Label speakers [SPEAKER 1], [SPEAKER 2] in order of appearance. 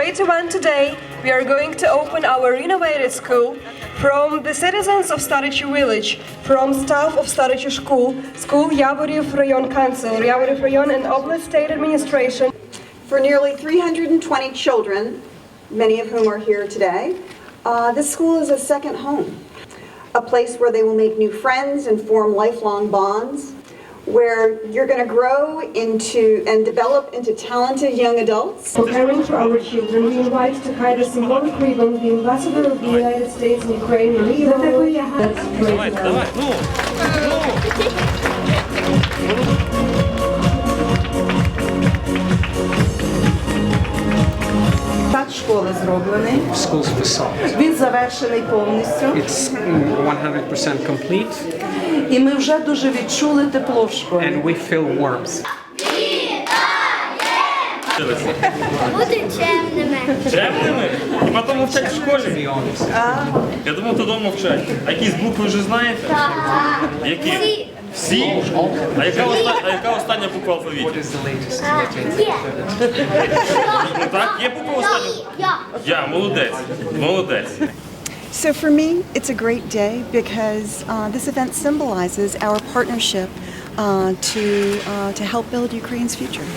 [SPEAKER 1] great event today. We are going to open our renovated school from the citizens of Starichi village, from staff of Starichi School, Yavoriev Rayon Council, Yavoriev Rayon and Oblast State Administration.
[SPEAKER 2] For nearly 320 children, many of whom are here today, this school is a second home, a place where they will make new friends and form lifelong bonds, where you're going to grow into and develop into talented young adults.
[SPEAKER 1] For caring for our children, we invite to hide a symbolic ribbon the ambassador of the United States in Ukraine, Maria.
[SPEAKER 3] Фасад школи зроблений.
[SPEAKER 4] School's facade.
[SPEAKER 3] Він завершений повністю.
[SPEAKER 4] It's 100% complete,
[SPEAKER 3] І ми вже дуже відчули тепло в школі.
[SPEAKER 4] and we feel warmth.
[SPEAKER 5] Бути чемними.
[SPEAKER 6] Чемними? І потім вчать в школі?
[SPEAKER 4] To be honest.
[SPEAKER 6] Я думав, то вдома вчать. А якісь букви вже знаєте? Які? Всі? А яка остання буква в
[SPEAKER 4] What
[SPEAKER 6] алфавіті?
[SPEAKER 4] is the latest letter?
[SPEAKER 5] Є.
[SPEAKER 6] Ну так, є буква остання? Я, молодець, молодець.
[SPEAKER 2] So for me, it's a great day because this event symbolizes our partnership to help build Ukraine's future.